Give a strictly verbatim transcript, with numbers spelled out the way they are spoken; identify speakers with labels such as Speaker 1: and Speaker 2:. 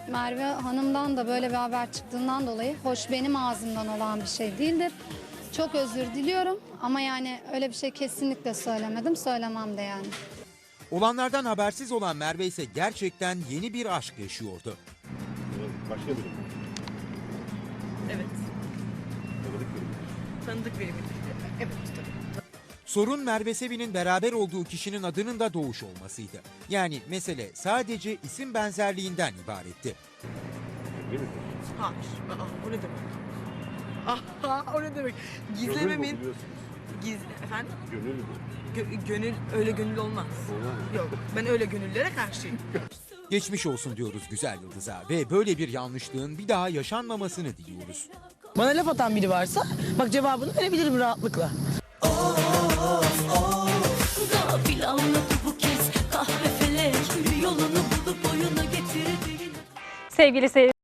Speaker 1: Merve Hanım'dan da böyle bir haber çıktığından dolayı hoş benim ağzımdan olan bir şey değildir. Çok özür diliyorum ama yani öyle bir şey kesinlikle söylemedim, söylemem de yani.
Speaker 2: Olanlardan habersiz olan Merve ise gerçekten yeni bir aşk yaşıyordu.
Speaker 3: Başka biri.
Speaker 4: Evet.
Speaker 3: Tanıdık biri.
Speaker 4: Tanıdık biri mi? Evet tabii.
Speaker 2: Sorun Merve Sevin'in beraber olduğu kişinin adının da Doğuş olmasıydı. Yani mesele sadece isim benzerliğinden ibaretti.
Speaker 3: Değil mi?
Speaker 4: Hayır. Aa, o ne demek? Aha, o ne demek?
Speaker 3: Gönül bu,
Speaker 4: Gizlememin...
Speaker 3: biliyorsunuz.
Speaker 4: Giz... Efendim?
Speaker 3: Gönül bu.
Speaker 4: Gö- gönül, öyle gönül olmaz.
Speaker 3: Olmaz.
Speaker 4: Yok, ben öyle gönüllere karşıyım.
Speaker 2: Geçmiş olsun diyoruz güzel Yıldız'a ve böyle bir yanlışlığın bir daha yaşanmamasını diliyoruz.
Speaker 4: Bana laf atan biri varsa bak cevabını verebilirim rahatlıkla.
Speaker 5: Gafil anladı bu kez kahve felek yolunu bulup oyuna getirdi.
Speaker 6: Sevgili seyirciler.